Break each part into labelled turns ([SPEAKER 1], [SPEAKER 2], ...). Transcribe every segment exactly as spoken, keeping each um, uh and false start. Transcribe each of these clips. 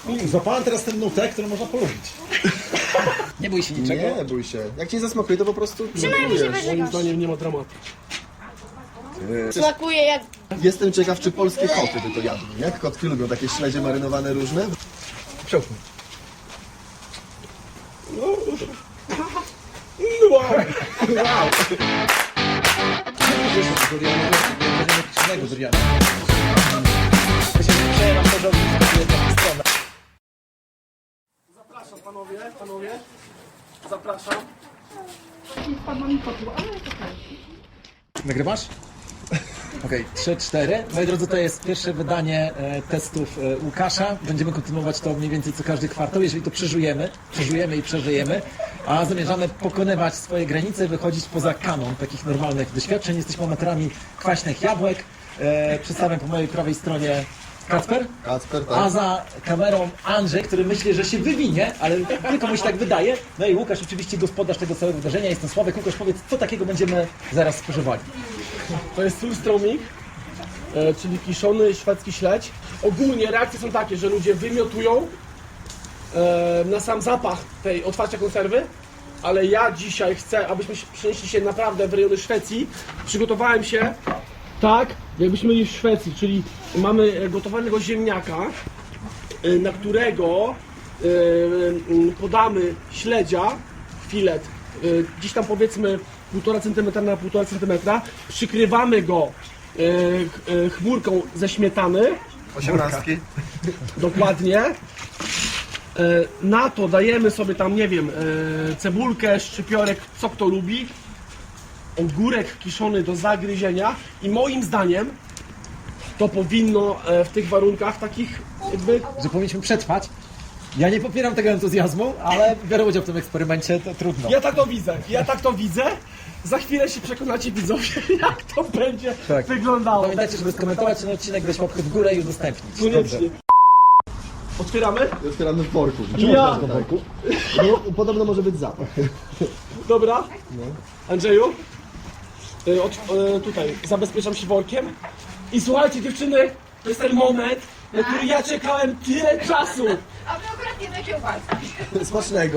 [SPEAKER 1] Złapałem teraz ten nutek, który można polubić. Nie bój się niczego.
[SPEAKER 2] Nie bój się. Jak cię nie zasmakuje, to po prostu
[SPEAKER 3] Przynajmniej się
[SPEAKER 2] próbujesz.
[SPEAKER 3] wyżygasz.
[SPEAKER 4] Moim zdaniem nie ma dramatu.
[SPEAKER 3] Smakuje jak...
[SPEAKER 2] Jestem ciekaw, czy polskie koty by to jadły, nie? Kotki lubią takie śledzie marynowane różne.
[SPEAKER 1] Przełknij.
[SPEAKER 4] No, wow. Wow.
[SPEAKER 1] Durianego duriana. Myślę, że przejęłam to do ogniska w jedną stronę.
[SPEAKER 4] Zapraszam panowie, panowie. Zapraszam.
[SPEAKER 1] Nagrywasz? Okej, trzy, cztery. Moi drodzy, to jest pierwsze wydanie e, testów e, Łukasza. Będziemy kontynuować to mniej więcej co każdy kwartał. Jeżeli to przeżujemy, przeżujemy i przeżyjemy, a zamierzamy pokonywać swoje granice, wychodzić poza kanon takich normalnych doświadczeń. Jesteśmy amatorami kwaśnych jabłek. E, przedstawiam po mojej prawej stronie Kacper,
[SPEAKER 2] Kacper, tak.
[SPEAKER 1] a za kamerą Andrzej, który myśli, że się wywinie, ale tylko mu się tak wydaje. No i Łukasz, oczywiście gospodarz tego całego wydarzenia. Jestem Sławek. Łukasz, powiedz, co takiego będziemy zaraz spożywali?
[SPEAKER 4] To jest surströmming, e, czyli kiszony szwedzki śledź. Ogólnie reakcje są takie, że ludzie wymiotują e, na sam zapach tej otwarcia konserwy, ale ja dzisiaj chcę, abyśmy się- przenieśli się naprawdę w rejony Szwecji. Przygotowałem się tak, jakbyśmy byli w Szwecji, czyli mamy e, gotowanego ziemniaka, e, na którego e, m, podamy śledzia, filet, e, gdzieś tam powiedzmy półtora centymetra na półtora centymetra, przykrywamy go e, ch- e, chmurką ze śmietany,
[SPEAKER 2] Osiemnastki.
[SPEAKER 4] dokładnie. E, na to dajemy sobie tam, nie wiem, e, cebulkę, szczypiorek, co kto lubi, ogórek kiszony do zagryzienia i moim zdaniem to powinno e, w tych warunkach takich jakby...
[SPEAKER 1] Że powinniśmy przetrwać. Ja nie popieram tego entuzjazmu, ale biorę udział w tym eksperymencie, to trudno.
[SPEAKER 4] Ja tak to widzę, ja tak to widzę. Za chwilę się przekonacie widzowie, jak to będzie
[SPEAKER 1] Tak.
[SPEAKER 4] wyglądało.
[SPEAKER 1] Pamiętajcie, żeby skomentować ten odcinek, dać łapkę w górę i udostępnić.
[SPEAKER 4] Koniecznie. Otwieramy?
[SPEAKER 2] Otwieramy w worku.
[SPEAKER 4] Ja!
[SPEAKER 2] No, podobno może być zapach.
[SPEAKER 4] Dobra. Andrzeju, y, od, y, tutaj zabezpieczam się workiem. I słuchajcie dziewczyny, to jest ten moment, na który ja czekałem tyle czasu.
[SPEAKER 3] A my akurat nie do kiełbasy.
[SPEAKER 2] Smacznego.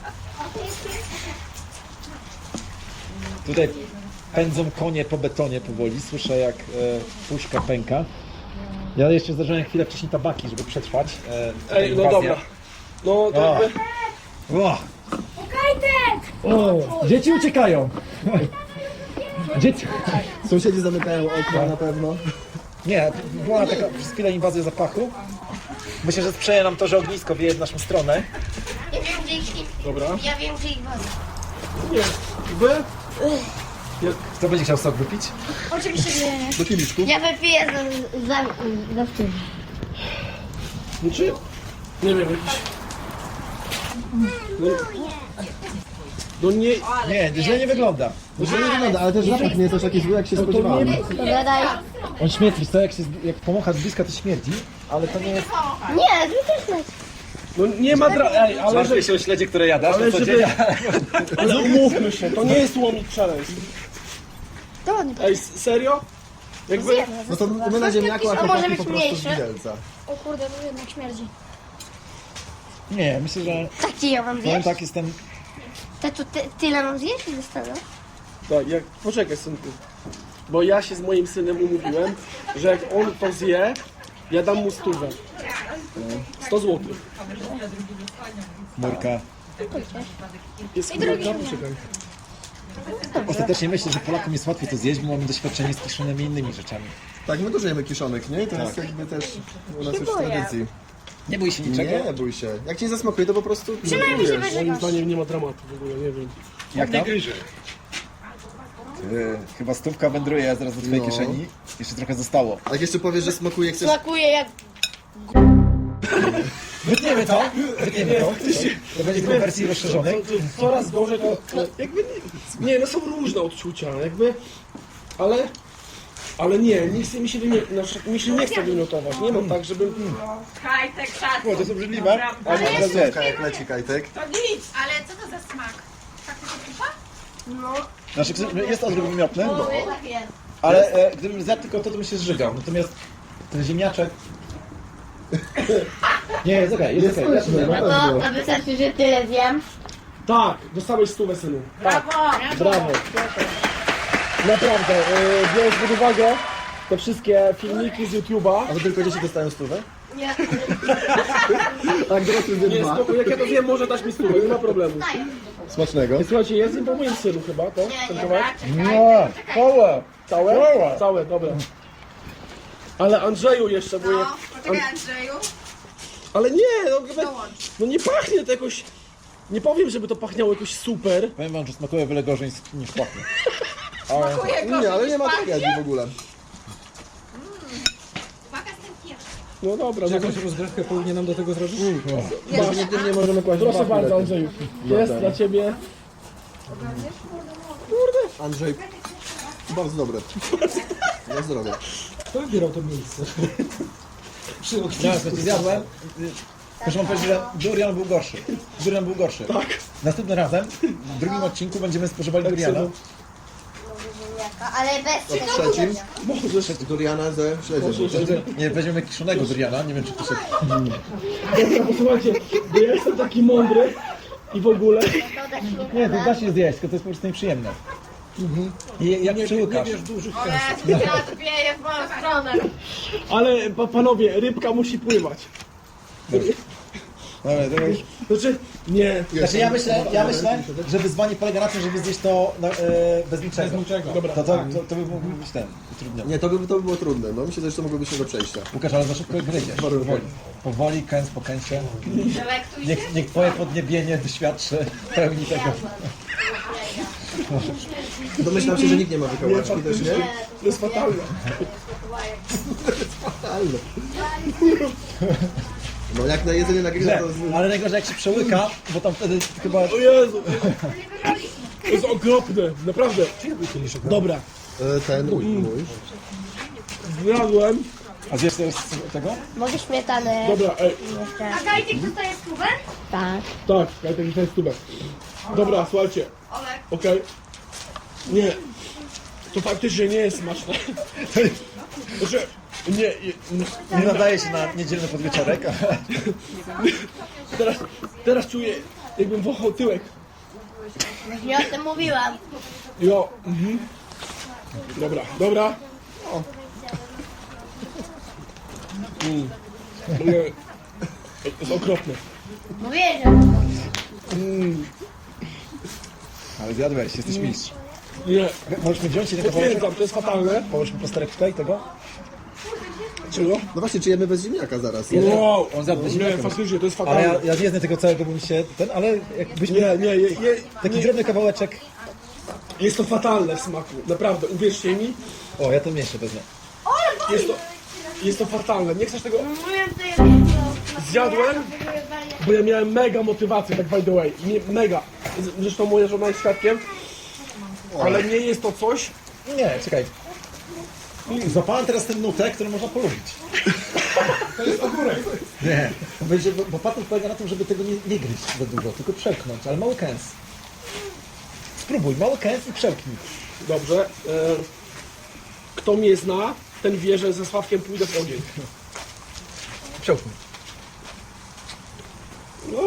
[SPEAKER 1] Tutaj pędzą konie po betonie powoli, słyszę jak e, puszka pęka. Ja jeszcze zdarzyłem chwilę wcześniej tabaki, żeby przetrwać. E, tę
[SPEAKER 4] Ej, no
[SPEAKER 1] inwazję.
[SPEAKER 4] dobra. No to
[SPEAKER 1] O.
[SPEAKER 4] jakby...
[SPEAKER 1] O,
[SPEAKER 3] Kajtek!
[SPEAKER 1] o, dzieci uciekają! Dzieci...
[SPEAKER 2] Sąsiedzi zamykają okna na pewno.
[SPEAKER 1] Nie, była taka przez chwilę inwazja zapachu. Myślę, że sprzyja nam to, że ognisko wieje w naszą stronę.
[SPEAKER 3] Ja wiem, gdzie ich...
[SPEAKER 4] Dobra.
[SPEAKER 3] Ja wiem, gdzie ich was.
[SPEAKER 4] Nie. Wy?
[SPEAKER 1] Kto będzie chciał sok wypić?
[SPEAKER 3] Oczywiście nie.
[SPEAKER 2] Do kieliszku.
[SPEAKER 3] Ja wypiję za... za... za wtedy.
[SPEAKER 4] Znaczy? Nie wiem, jakiś... No, no nie...
[SPEAKER 1] Nie, źle nie wygląda.
[SPEAKER 2] No źle nie wygląda, ale też zapach nie jest aż taki zły, jak się spodziewałem.
[SPEAKER 3] Dobra, daj.
[SPEAKER 1] On śmierdzi, to jak, się, jak pomochasz z bliska, to śmierdzi, ale to nie jest...
[SPEAKER 3] Nie, ty też leć.
[SPEAKER 4] No nie ma dra... Ej, ale, że,
[SPEAKER 1] się o śledzie, które jadasz,
[SPEAKER 4] ale żeby... Ale umówmy się, to nie jest łomik challenge.
[SPEAKER 3] To nie.
[SPEAKER 4] Ej, s- serio? Jakby...
[SPEAKER 2] No to my na ziemniaku, a
[SPEAKER 3] A może
[SPEAKER 2] chłopaki
[SPEAKER 3] być
[SPEAKER 2] po prostu z
[SPEAKER 3] mniejszy?
[SPEAKER 2] widelca.
[SPEAKER 3] O kurde, to jednak śmierdzi.
[SPEAKER 1] Nie, myślę, że
[SPEAKER 3] Taki ja mam
[SPEAKER 1] powiem
[SPEAKER 3] zjeść?
[SPEAKER 1] tak, jestem...
[SPEAKER 3] Te, tu, ty, tyle mam zjeść i zostawię?
[SPEAKER 4] Tak, jak... Poczekaj synku. Bo ja się z moim synem umówiłem, że jak on to zje, ja dam mu stówę. sto złotych.
[SPEAKER 1] Murka.
[SPEAKER 4] Jest chmurka? Poczekaj.
[SPEAKER 1] Ostatecznie myślę, że Polakom jest łatwiej to zjeść, bo mamy doświadczenie z kiszonymi innymi rzeczami.
[SPEAKER 2] Tak, my dużo jemy kiszonek, nie? I to jest jakby też u nas już w
[SPEAKER 3] boję.
[SPEAKER 2] tradycji.
[SPEAKER 1] Nie bój się niczego.
[SPEAKER 2] Nie bój się. Jak cię nie zasmakuje, to po prostu
[SPEAKER 3] Przynajmniej się
[SPEAKER 2] próbujesz.
[SPEAKER 4] Moim
[SPEAKER 3] wyżygasz.
[SPEAKER 4] zdaniem nie ma dramatu w ogóle, nie wiem.
[SPEAKER 1] Jak tam? Ty, chyba stówka wędruje zaraz do twojej
[SPEAKER 2] No.
[SPEAKER 1] kieszeni. Jeszcze trochę zostało.
[SPEAKER 2] A jak jeszcze powiesz, że smakuje, chcesz...
[SPEAKER 3] Smakuje jak...
[SPEAKER 1] Wytniemy to, wytniemy to. To będzie w wersji rozszerzonej.
[SPEAKER 4] To, to coraz gorzej to... to jakby nie, nie, no są różne odczucia, jakby... Ale... Ale nie, nie chce mi się wymiotować, znaczy, mi się nie chce wymiotować, nie mam tak, żebym...
[SPEAKER 5] Kajtek, szacun.
[SPEAKER 1] O, to jest obrzydliwe.
[SPEAKER 2] A teraz słówka, jak leci kajtek.
[SPEAKER 5] To nic. Ale co to za smak? Faktycznie kupa?
[SPEAKER 3] No,
[SPEAKER 1] Znaczy, jest odruch wymiotny,
[SPEAKER 3] no jednak jest.
[SPEAKER 1] ale e, gdybym zjadł tylko to, to bym się zżygał. Natomiast ten ziemniaczek... Nie, jest okej, jest okej.
[SPEAKER 2] Smaczne,
[SPEAKER 3] No
[SPEAKER 2] naprawdę.
[SPEAKER 3] to, to wystarczy, że tyle zjem.
[SPEAKER 4] Tak, dostałeś stówę, synu. Tak,
[SPEAKER 5] Brawo!
[SPEAKER 4] brawo. Naprawdę, yy, biorąc pod uwagę te wszystkie filmiki z YouTube'a.
[SPEAKER 2] A wy tylko dzieci dostają stówę?
[SPEAKER 3] Nie.
[SPEAKER 2] Tak, dorosły zjem
[SPEAKER 4] Nie,
[SPEAKER 2] dwa.
[SPEAKER 4] spoko, jak ja to wiem, może dać mi stówę, nie ma problemu.
[SPEAKER 2] Smacznego.
[SPEAKER 4] Słuchajcie, jest im po moim synu chyba, to? Ten kawałek?
[SPEAKER 1] Nie, całe.
[SPEAKER 4] Całe?
[SPEAKER 1] Całe.
[SPEAKER 4] Całe, dobra. Ale Andrzeju jeszcze, bo je...
[SPEAKER 5] No, poczekaj Andrzeju.
[SPEAKER 4] Ale nie, no, chyba-
[SPEAKER 5] Dołącz.
[SPEAKER 4] no nie pachnie to jakoś... Nie powiem, żeby to pachniało jakoś super.
[SPEAKER 1] Powiem wam, że smakuje wiele gorzej niż pachnie.
[SPEAKER 5] Smakuje
[SPEAKER 2] Nie, ale nie ma
[SPEAKER 5] gorzej niż
[SPEAKER 2] tragedii w ogóle.
[SPEAKER 5] Uwaga z tym pierwszym.
[SPEAKER 4] No dobra, no
[SPEAKER 1] Jakąś rozgrzewkę powinienem do tego zrobić?
[SPEAKER 2] Definitywnie możemy kłaść
[SPEAKER 4] proszę
[SPEAKER 2] dwa
[SPEAKER 4] bardzo
[SPEAKER 2] filety.
[SPEAKER 4] Andrzeju. Jest dla ciebie...
[SPEAKER 2] Andrzej, bardzo dobre. Na zdrowie.
[SPEAKER 1] Kto wybierał to miejsce? Przy ja słuchajcie, zjadłem. Proszę wam powiedzieć, że durian był gorszy. Durian był gorszy. Tak. Następnym razem, w drugim odcinku będziemy spożywali duriana.
[SPEAKER 4] synu.
[SPEAKER 3] Ale bez
[SPEAKER 2] W trzecim
[SPEAKER 4] Możesz.
[SPEAKER 2] duriana ze śledziem.
[SPEAKER 1] Nie, weźmiemy kiszonego duriana, nie wiem czy to się...
[SPEAKER 4] Dobra, posłuchajcie, bo ja jestem taki mądry i w ogóle...
[SPEAKER 1] Nie, to da się zjeść, tylko to jest po prostu nieprzyjemne. I jak przyłykasz.
[SPEAKER 5] O Jezu, wiatr wieje w moją stronę.
[SPEAKER 4] Ale pa, panowie, rybka musi pływać.
[SPEAKER 1] Dobra, to już...
[SPEAKER 4] Znaczy, nie.
[SPEAKER 1] Znaczy ja myślę, ja myślę, że wyzwanie polega na tym, żeby zjeść to no, e, bez niczego. Bez niczego.
[SPEAKER 4] Dobra.
[SPEAKER 1] To, to, to, to by mógł być ten, utrudniony.
[SPEAKER 2] Nie, to by, to by było trudne. No myślę, że to mogłoby się do przejścia.
[SPEAKER 1] Łukasz, ale za szybko gryziesz. Powoli. Powoli, kęs po kęsie.
[SPEAKER 5] Delektuj się.
[SPEAKER 1] Niech, niech twoje podniebienie doświadczy pełni tego.
[SPEAKER 2] Domyślam się, że nikt nie ma wykałaczki też, nie?
[SPEAKER 4] To jest fatalne.
[SPEAKER 2] Fatalne. No jak na jedzenie na grilla to... z-
[SPEAKER 1] Ale najgorzej jak się przełyka, bo tam wtedy chyba...
[SPEAKER 4] O Jezu. To jest okropne, naprawdę. Dobra,
[SPEAKER 2] e, Ten mój, mój.
[SPEAKER 4] zjadłem.
[SPEAKER 1] A zjesz też tego?
[SPEAKER 3] Mogę śmietanę
[SPEAKER 4] Dobra, ej,
[SPEAKER 3] jeszcze.
[SPEAKER 5] A Gajtik dostaje stówę?
[SPEAKER 3] Tak.
[SPEAKER 4] tak, ja taki ten stubek. Dobra, słuchajcie,
[SPEAKER 5] Olek.
[SPEAKER 4] okej. Nie, to faktycznie nie jest smaczne. Znaczy, nie, nie,
[SPEAKER 1] Nie nadaje się na niedzielny podwieczorek.
[SPEAKER 4] teraz, teraz czuję, jakbym wąchał tyłek.
[SPEAKER 3] Nie o tym mówiłam.
[SPEAKER 4] Jo, mhm. Dobra, dobra. Mm. Nie, to jest okropne.
[SPEAKER 3] Mówię, że...
[SPEAKER 1] Ale zjadłeś, jesteś mistrz.
[SPEAKER 4] Nie,
[SPEAKER 1] Możesz mi wziąć jeden kawałek?
[SPEAKER 4] potwierdzam, to jest fatalne.
[SPEAKER 1] Połóż mi plasterek tutaj tego?
[SPEAKER 4] Czego?
[SPEAKER 2] No właśnie, czy jemy bez ziemniaka zaraz?
[SPEAKER 4] Wow,
[SPEAKER 1] On zjadł bez
[SPEAKER 4] nie,
[SPEAKER 1] ziemniaka.
[SPEAKER 4] faktycznie, to jest
[SPEAKER 1] Ale ja,
[SPEAKER 4] fatalne.
[SPEAKER 1] ja nie znam tego całego, bo mi się ten, ale jakbyśmy...
[SPEAKER 4] Nie, nie, je, je,
[SPEAKER 1] Taki
[SPEAKER 4] nie,
[SPEAKER 1] drobny kawałeczek.
[SPEAKER 4] jest to fatalne w smaku, naprawdę, uwierzcie mi,
[SPEAKER 1] O, ja to mieszczę wezmę.
[SPEAKER 4] jest to, jest to fatalne. Nie chcesz tego?
[SPEAKER 3] Mówię, to ja...
[SPEAKER 4] Zjadłem, bo ja miałem mega motywację, tak by the way, nie, mega. Z- Zresztą moja żona jest świadkiem, ale nie jest to coś,
[SPEAKER 1] Nie, czekaj. Zapałem teraz ten nutek, który można polubić.
[SPEAKER 4] to jest ogórek.
[SPEAKER 1] Nie, będzie, bo, bo patent polega na tym, żeby tego nie, nie gryźć za dużo, tylko przełknąć, ale mały kęs. Spróbuj, mały kęs i przełknij.
[SPEAKER 4] Dobrze, e, kto mnie zna, ten wie, że ze Sławkiem pójdę w ogień.
[SPEAKER 1] Przełknij.
[SPEAKER 4] No,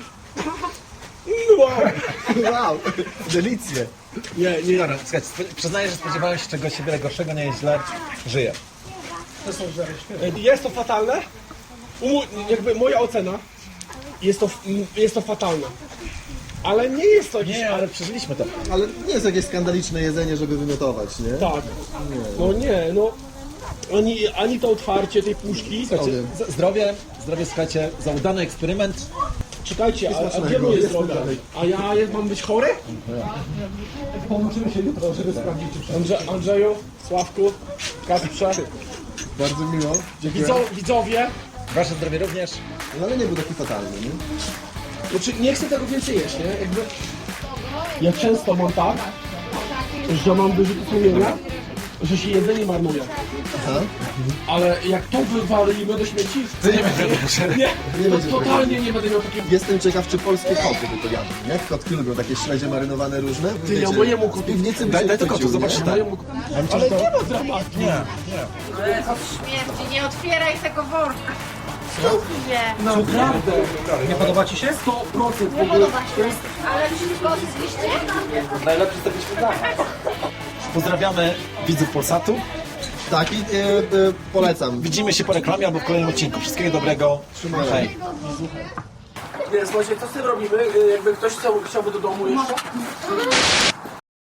[SPEAKER 4] no, wow.
[SPEAKER 2] Wow, delicje.
[SPEAKER 4] Nie, nie,
[SPEAKER 1] Dobra, słuchajcie, spo- przyznaję, że spodziewałem się czegoś wiele gorszego, nie jest źle, żyję.
[SPEAKER 4] E, jest to fatalne, Umu, jakby moja ocena, jest to, jest to fatalne. Ale nie jest to jakieś...
[SPEAKER 1] Nie, ale przeżyliśmy to.
[SPEAKER 2] Ale nie jest jakieś skandaliczne jedzenie, żeby wymiotować, nie?
[SPEAKER 4] Tak. No nie, no. Ani, ani to otwarcie tej puszki.
[SPEAKER 1] Słuchajcie, z- zdrowie, zdrowie, słuchajcie, za udany eksperyment.
[SPEAKER 4] Czekajcie, a, a
[SPEAKER 2] smacznego,
[SPEAKER 4] gdzie moje
[SPEAKER 2] jest
[SPEAKER 4] zdrowie?
[SPEAKER 2] dalej.
[SPEAKER 4] A ja jest, mam być chory?
[SPEAKER 1] Połączymy się jutro, żeby sprawdzić, czy
[SPEAKER 4] Andrze, Andrzeju, Sławku, Kasprze,
[SPEAKER 2] Bardzo miło. Dziękuję.
[SPEAKER 4] widzo, widzowie.
[SPEAKER 1] Wasze zdrowie również.
[SPEAKER 2] No ale nie był taki fatalny, nie?
[SPEAKER 4] Znaczy, nie chcę tego więcej jeść, nie? Jakby... Ja często mam tak, że mam wyrzuty sumienia, że się jedzenie marnuje.
[SPEAKER 2] Aha.
[SPEAKER 4] Ale jak to wywalimy do śmieci,
[SPEAKER 1] To nie będzie
[SPEAKER 4] nie,
[SPEAKER 2] Nie
[SPEAKER 4] to
[SPEAKER 2] będzie
[SPEAKER 4] totalnie nie będę miał takiego...
[SPEAKER 2] Jestem ciekaw, czy polskie koty by to jadły, nie? Kotki lubią takie śledzie marynowane różne.
[SPEAKER 4] Ty, ja mojemu kotu...
[SPEAKER 2] Piwnicy by
[SPEAKER 1] Daj-
[SPEAKER 2] się
[SPEAKER 1] daj to
[SPEAKER 2] chwycił,
[SPEAKER 1] kotu, zobacz,
[SPEAKER 2] nie?
[SPEAKER 1] tak.
[SPEAKER 4] Mojemu... Ale nie ma dramatu.
[SPEAKER 1] Nie, nie.
[SPEAKER 5] Ale to śmierci, nie otwieraj tego worka.
[SPEAKER 3] Nie.
[SPEAKER 4] Naprawdę.
[SPEAKER 1] Nie podoba Ci się?
[SPEAKER 4] sto procent
[SPEAKER 3] Nie podoba się.
[SPEAKER 5] Ale wszystko zjeście?
[SPEAKER 1] Najlepszy z tego śniadania. Pozdrawiamy widzów Polsatu.
[SPEAKER 2] Tak, i e, e, polecam.
[SPEAKER 1] Widzimy się po reklamie albo w kolejnym odcinku. Wszystkiego dobrego. Hej.
[SPEAKER 4] Nie, słuchajcie, co z tym robimy? Y, Jakby ktoś chciał, chciałby do domu jeszcze?